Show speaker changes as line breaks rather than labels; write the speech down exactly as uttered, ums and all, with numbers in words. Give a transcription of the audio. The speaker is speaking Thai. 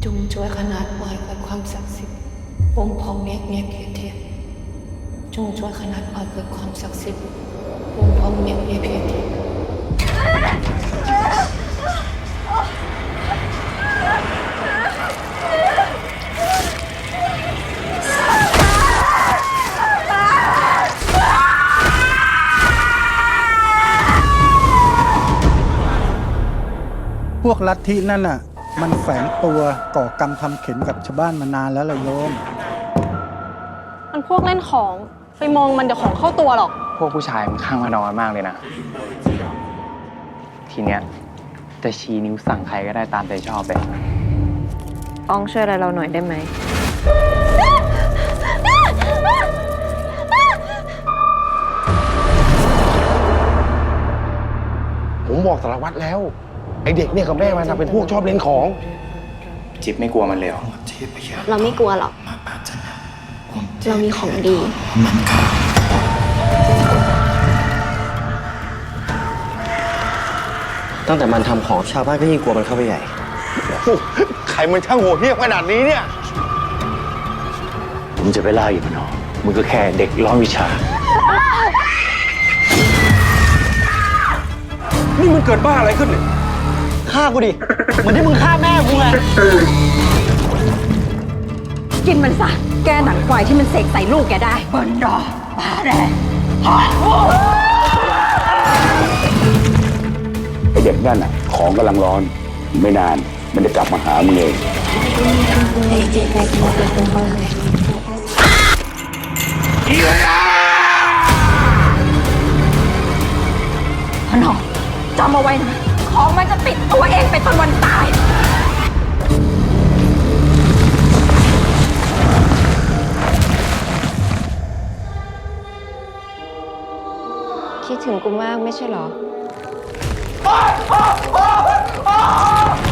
จงช่วยขนาดหมายเกิดความศักดิ์สิทธิ์วงพองเมฆเมียเพียเทียจงช่วยขนาดหมายเกิดความศักดิ์สิทธิ์วงพองเมฆเมียเพียเทีย
พวกลัทธินั่นน่ะมันแฝงตัวก่อกรรมทำเข็นกับชาวบ้านมานานแล้วล่ะโยม
มันพวกเล่นของไปมองมันเดี๋ยวของเข้าตัวหรอก
พวกผู้ชายมันข้างมานอนมากเลยนะ ทีเนี้ยจะชี้นิ้วสั่งใครก็ได้ตามใจชอบเลย
อองช่วยอะไรเราหน่อยได้ไหม
ผมบอกสารวัตรแล้ว ไอเด็กเนี่ยกับแม่มันนะเป็นพวกชอบเล่นของ
จิ๊บไม่กลัวมันเลยเหรอ
เราไม่กลัวหรอก เรามีของดี
ตั้งแต่มันทำของชาวบ้านก็ยิ่งกลัวมันเข้าไปใหญ่
ใครมันช่างโหดเหี้ยมขนาดนี้เนี่ย
มึงจะไปล่าอีกมันหรอมึงก็แค่เด็กร้อนวิชา
นี่มันเกิดบ้าอะไรขึ้นเนี่ย
ฆ่ากูดิ เหมือนที่มึงฆ่าแม่กูไง
กินมันซะ แกหนังควายที่มันเสกใส่ลูกแกได้บนดอปาแดง
ไอเด็กนั่นน่ะ ของกำลังร้อน ไม่นาน มันจะกลับมาหามึงเอง
พนอจำเอาไว้นะ ของมันจะติดตัวเองไปจนวันตาย
คิดถึงกูมากไม่ใช่เหรอ